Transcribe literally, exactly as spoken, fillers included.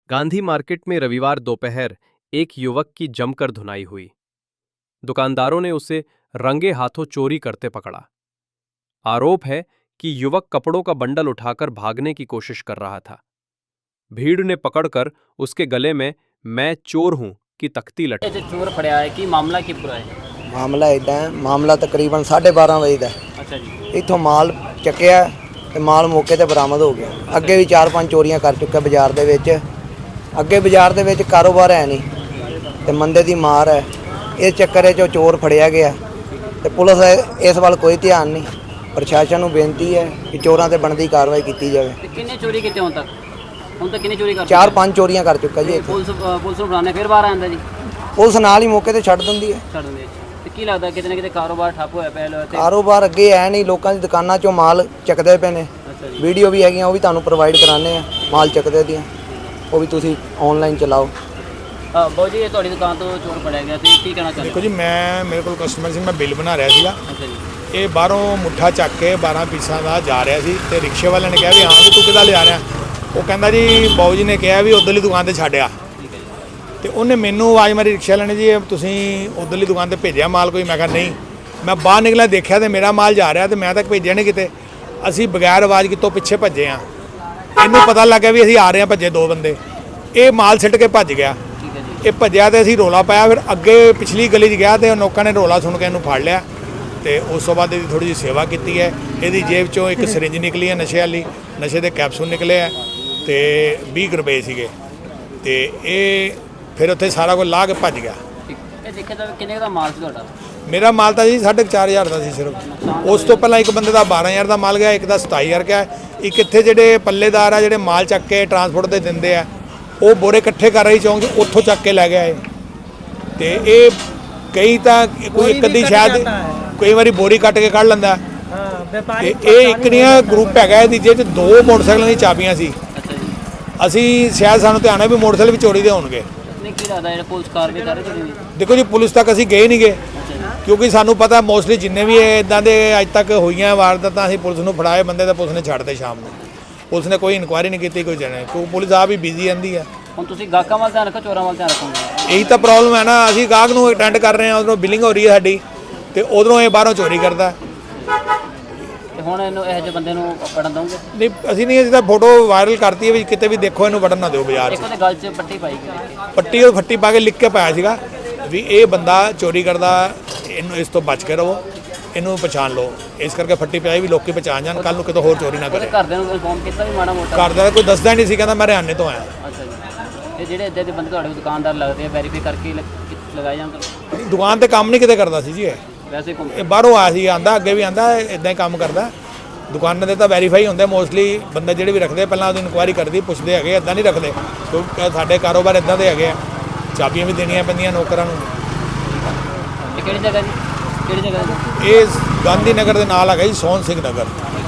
Gandhi market में रविवार दोपहर एक युवक की जमकर धुनाई हुई। दुकानदारों ने उसे रंगे हाथों चोरी करते पकड़ा। आरोप है कि युवक कपड़ों का बंडल उठाकर भागने की कोशिश कर रहा था। भीड़ ने पकड़कर उसके गले में "मैं चोर हूं" की तख्ती लटकाई। चोर फड़िया है कि मामला की पूरा है? मामला इदा है, मामला तकरीबन साढ़े बारह बजे का। अच्छा जी। इतों माल चक्या ते माल मौके ते बरामद हो गया। अगे भी चार पांच चोरियां कर चुका बाजार दे विच। अगे बाजार दे विच कारोबार है नहीं ते मंदे दी मार है। इस चक्कर च चोर फड़िया गया ते पुलिस इस वाल कोई ध्यान नहीं। प्रशासन नूं बेनती है कि चोरां ते बनदी कार्रवाई की जाए। किन्ने चोरी कीते हुण तक? हुण तक किन्ने चोरी कर? चार पांच चोरियां कर चुका जी। पुलिस पुलिस नूं बुलाने फिर बाहर आंदा जी? पुलिस नाल ही मौके ते छड्ड दिंदी है। छड्ड दिंदी है। ते की लगदा किते ना किते कारोबार ठप्प होया पिया? कारोबार अगे है नहीं, लोगों की दुकानों चों माल चकदे पे ने। वीडियो भी हैगियां, वो भी तुहानूं प्रोवाइड कराने आ माल चकदे दियां, वो भी तुसीं ऑनलाइन चलाओ। बहुत जी, ये ਤੁਹਾਡੀ ਦੁਕਾਨ ਤੋਂ ਚੋਰ ਫੜਿਆ ਗਿਆ ਤੇ ਕੀ ਕਹਿਣਾ ਚਾਹੁੰਦੇ? देखो जी, मैं मेरे को कस्टमर से मैं बिल बना रहा ਸੀਗਾ। ਅੱਛਾ ਜੀ। ਇਹ ਬਾਹਰੋਂ ਮੁੱਠਾ ਚੱਕ ਕੇ ਬਾਰਾਂ ਪੀਸਾਂ ਦਾ ਜਾ ਰਿਹਾ ਸੀ ਤੇ ਰਿਕਸ਼ੇ ਵਾਲੇ ਨੇ ਕਿਹਾ ਵੀ ਹਾਂ ਵੀ ਤੂੰ ਕਿੱਦਾਂ ਲਿਆ ਰਿਹਾ। ਉਹ ਕਹਿੰਦਾ ਜੀ ਬਾਊ ਜੀ ਨੇ ਕਿਹਾ ਵੀ ਉਧਰਲੀ ਦੁਕਾਨ ਤੇ ਛੱਡਿਆ ਠੀਕ ਹੈ ਜੀ। ਤੇ ਉਹਨੇ ਮੈਨੂੰ ਆਵਾਜ਼ ਮਾਰੀ ਰਿਕਸ਼ੇ ਵਾਲੇ ਨੇ ਜੀ ਤੁਸੀਂ ਉਧਰਲੀ ਦੁਕਾਨ ਤੇ ਭੇਜਿਆ ਮਾਲ ਕੋਈ? ਮੈਂ ਕਿਹਾ ਨਹੀਂ। ਮੈਂ ਬਾਹਰ ਨਿਕਲਿਆ ਦੇਖਿਆ ਤੇ ਮੇਰਾ ਮਾਲ ਜਾ ਰਿਹਾ ਤੇ ਮੈਂ ਤੱਕ ਭੇਜਿਆ ਨਹੀਂ ਕਿਤੇ। ਅਸੀਂ ਬਗੈਰ ਆਵਾਜ਼ ਕਿਤੋਂ ਪਿੱਛੇ ਭੱਜੇ ਆ। ਇਹਨੂੰ ਪਤਾ ਲੱਗਿਆ ਵੀ ਅਸੀਂ ਆ ਰਹੇ ਹਾਂ, ਭੱਜੇ ਦੋ ਬੰਦੇ। ਇਹ ਮਾਲ ਸਿੱਟ ਕੇ ਭੱਜ ਗਿਆ। ਇਹ ਭੱਜਿਆ ਤੇ ਅਸੀਂ ਰੋਲਾ ਪਾਇਆ। ਫਿਰ ਅੱਗੇ ਪਿਛਲੀ ਗਲੀ 'ਚ ਗਿਆ ਤੇ ਲੋਕਾਂ ਨੇ ਰੋਲਾ ਸੁਣ ਕੇ ਇਹਨੂੰ ਫੜ ਲਿਆ ਤੇ ਉਸ ਤੋਂ ਬਾਅਦ ਇਹਦੀ ਥੋੜੀ ਜਿਹੀ ਸੇਵਾ ਕੀਤੀ ਹੈ। ਇਹਦੀ ਜੇਬ 'ਚੋਂ ਇੱਕ ਸਿਰਿੰਜ ਨਿਕਲੀ ਹੈ ਨਸ਼ੇ ਵਾਲੀ, ਨਸ਼ੇ ਦੇ ਕੈਪਸੂਲ ਨਿਕਲੇ ਆ ਤੇ ਵੀਹ ਰੁਪਏ ਸੀਗੇ ਤੇ ਇਹ ਫਿਰ ਉੱਥੇ ਸਾਰਾ ਕੁਝ ਲਾ ਕੇ ਭੱਜ ਗਿਆ। ਇਹ ਦੇਖਿਆ ਜਾਵੇ ਕਿੰਨੇ ਦਾ ਮਾਲ ਸੀ ਤੁਹਾਡਾ? ਮੇਰਾ ਮਾਲ ਤਾਂ ਜੀ ਸਾਢੇ ਚਾਰ ਹਜ਼ਾਰ ਦਾ ਸੀ ਸਿਰਫ। ਉਸ ਤੋਂ ਪਹਿਲਾਂ ਇੱਕ ਬੰਦੇ ਦਾ ਬਾਰਾਂ ਹਜ਼ਾਰ ਦਾ ਮਾਲ ਗਿਆ, ਇੱਕ ਦਾ ਸਤਾਈ ਹਜ਼ਾਰ ਗਿਆ। ਇੱਕ ਇੱਥੇ ਜਿਹੜੇ ਪੱਲੇਦਾਰ ਆ ਜਿਹੜੇ ਮਾਲ ਚੱਕ ਕੇ ਟਰਾਂਸਪੋਰਟ ਤੇ ਦਿੰਦੇ ਆ, ਉਹ ਬੋਰੇ ਇਕੱਠੇ ਕਰ ਰਹੀ ਚੌਂਕ ਉੱਥੋਂ ਚੱਕ ਕੇ ਲੈ ਗਿਆ ਇਹ। ਤੇ ਇਹ ਕਈ ਤਾਂ ਕੋਈ ਇੱਕ ਅੱਧੀ ਸ਼ਾਇਦ ਕਈ ਵਾਰੀ ਬੋਰੀ ਕੱਟ ਕੇ ਕੱਢ ਲੈਂਦਾ ਤੇ ਇਹ ਇੱਕ ਨਹੀਂ ਗਰੁੱਪ ਹੈਗਾ ਇਹਦੀ ਜਿਹਦੇ 'ਚ ਦੋ ਮੋਟਰਸਾਈਕਲਾਂ ਦੀ ਚਾਬੀਆਂ ਸੀ। ਅਸੀਂ ਸ਼ਾਇਦ ਸਾਨੂੰ ਧਿਆਨ ਹੈ ਵੀ ਮੋਟਰਸਾਈਕਲ ਵੀ ਚੋਰੀ ਦੇ ਹੋਣਗੇ। ਕੀ ਲੱਗਦਾ ਇਹ ਪੁਲਿਸ ਕਾਰਵਾਈ ਕਰ ਰਹੀ ਹੈ? ਦੇਖੋ ਜੀ, ਪੁਲਿਸ ਤੱਕ ਅਸੀਂ ਗਏ ਨਹੀਂ ਗਏ ਕਿਉਂਕਿ ਸਾਨੂੰ ਪਤਾ ਮੋਸਟਲੀ ਜਿੰਨੇ ਵੀ ਇੱਦਾਂ ਦੇ ਅੱਜ ਤੱਕ ਹੋਈਆਂ ਵਾਰਦਾਤਾਂ ਅਸੀਂ ਪੁਲਿਸ ਨੂੰ ਫੜਾਏ ਬੰਦੇ ਤਾਂ ਪੁਲਿਸ ਨੇ ਛੱਡਦੇ ਸ਼ਾਮ ਨੂੰ। ਪੁਲਿਸ ਨੇ ਕੋਈ ਇਨਕੁਆਇਰੀ ਨਹੀਂ ਕੀਤੀ, ਕੋਈ ਜਾਣੇ ਕਿਉਂਕਿ ਪੁਲਿਸ ਆਪ ਹੀ ਬਿਜ਼ੀ ਰਹਿੰਦੀ ਹੈ। ਹੁਣ ਤੁਸੀਂ ਗਾਹਕਾਂ ਵੱਲ ਧਿਆਨ ਰੱਖੋ, ਚੋਰਾਂ ਵੱਲ ਧਿਆਨ ਰੱਖੋਗੇ? ਇਹੀ ਤਾਂ ਪ੍ਰੋਬਲਮ ਹੈ ਨਾ। ਅਸੀਂ ਗਾਹਕ ਨੂੰ ਅਟੈਂਡ ਕਰ ਰਹੇ ਹਾਂ, ਉਧਰੋਂ ਬਿਲਿੰਗ ਹੋ ਰਹੀ ਹੈ ਸਾਡੀ ਤੇ ਉਧਰੋਂ ਇਹ ਬਾਹਰੋਂ ਚੋਰੀ ਕਰਦਾ। ਤੇ ਹੁਣ ਇਹਨੂੰ ਇਹੋ ਜਿਹੇ ਬੰਦੇ ਨੂੰ ਵੜਨ ਦਊਂਗੇ? ਨਹੀਂ, ਅਸੀਂ ਨਹੀਂ। ਅਸੀਂ ਤਾਂ ਫੋਟੋ ਵਾਇਰਲ ਕਰਤੀ ਹੈ ਵੀ ਕਿਤੇ ਵੀ ਦੇਖੋ ਇਹਨੂੰ ਵੜਨ ਨਾ ਦਿਓ ਬਾਜ਼ਾਰ 'ਚ। ਇੱਕ ਉਹਦੇ ਗਲ 'ਚ ਪੱਟੀ ਪਾਈ ਗਈ। ਪੱਟੀ ਉਹ ਫੱਟੀ ਪਾ ਕੇ ਲਿਖ ਕੇ ਪਾਇਆ ਸੀਗਾ ਵੀ ਇਹ ਬੰਦਾ ਚੋਰੀ ਕਰਦਾ, ਇਹਨੂੰ ਇਸ ਤੋਂ ਬਚ ਕੇ ਰਹੋ, ਇਹਨੂੰ ਪਛਾਣ ਲਓ। ਇਸ ਕਰਕੇ ਫੱਟੀ ਪਾਈ ਵੀ ਲੋਕੀ ਪਛਾਣ ਜਾਣ, ਕੱਲ ਨੂੰ ਕਿਤੋਂ ਹੋਰ ਚੋਰੀ ਨਾ ਕਰੇ। ਘਰਦਿਆਂ ਨੂੰ ਇਨਫੋਰਮ ਕੀਤਾ ਵੀ ਮਾੜਾ ਮੋਟਾ? ਘਰਦਿਆਂ ਦਾ ਕੋਈ ਦੱਸਦਾ ਨਹੀਂ ਸੀ, ਕਹਿੰਦਾ ਮੈਂ ਹਰਿਆਣੇ ਤੋਂ ਆਇਆ। ਅੱਛਾ ਜੀ। ਇਹ ਜਿਹੜੇ ਇੱਦਾਂ ਦੇ ਬੰਦੇ ਤੁਹਾਡੇ ਦੁਕਾਨਦਾਰ ਲੱਗਦੇ ਆ, ਵੈਰੀਫਾਈ ਕਰਕੇ ਲਗਾਏ ਜਾਂਦੇ? ਦੁਕਾਨ ਤੇ ਕੰਮ ਨਹੀਂ ਕਿਤੇ ਕਰਦਾ ਸੀ ਜੀ ਇਹ। ਵੈਸੇ ਘੁੰਮ ਇਹ ਬਾਹਰੋਂ ਆਇਆ ਸੀ, ਆਂਦਾ ਅੱਗੇ ਵੀ ਆਂਦਾ ਇਦਾਂ ਹੀ ਕੰਮ ਕਰਦਾ। ਦੁਕਾਨਾਂ ਦੇ ਤਾਂ ਵੈਰੀਫਾਈ ਹੁੰਦੇ ਮੋਸਟਲੀ ਬੰਦੇ ਜਿਹੜੇ ਵੀ ਰੱਖਦੇ, ਪਹਿਲਾਂ ਉਹਦੀ ਇਨਕੁਆਇਰੀ ਕਰਦੀ, ਪੁੱਛਦੇ ਹੈਗੇ, ਇੱਦਾਂ ਨਹੀਂ ਰੱਖਦੇ ਕਿਉਂਕਿ ਸਾਡੇ ਕਾਰੋਬਾਰ ਇੱਦਾਂ ਦੇ ਹੈਗੇ ਆ। ਚਾਬੀਆਂ ਵੀ ਦੇਣੀਆਂ ਪੈਂਦੀਆਂ ਨੌਕਰਾਂ ਨੂੰ। ਇਹ ਕਿਹੜੀ ਜਗ੍ਹਾ ਜੀ? ਕਿਹੜੀ ਜਗ੍ਹਾ ਜੀ? ਇਹ ਗਾਂਧੀ ਨਗਰ ਦੇ ਨਾਲ ਹੈਗਾ ਜੀ, ਸੋਹਣ ਸਿੰਘ ਨਗਰ।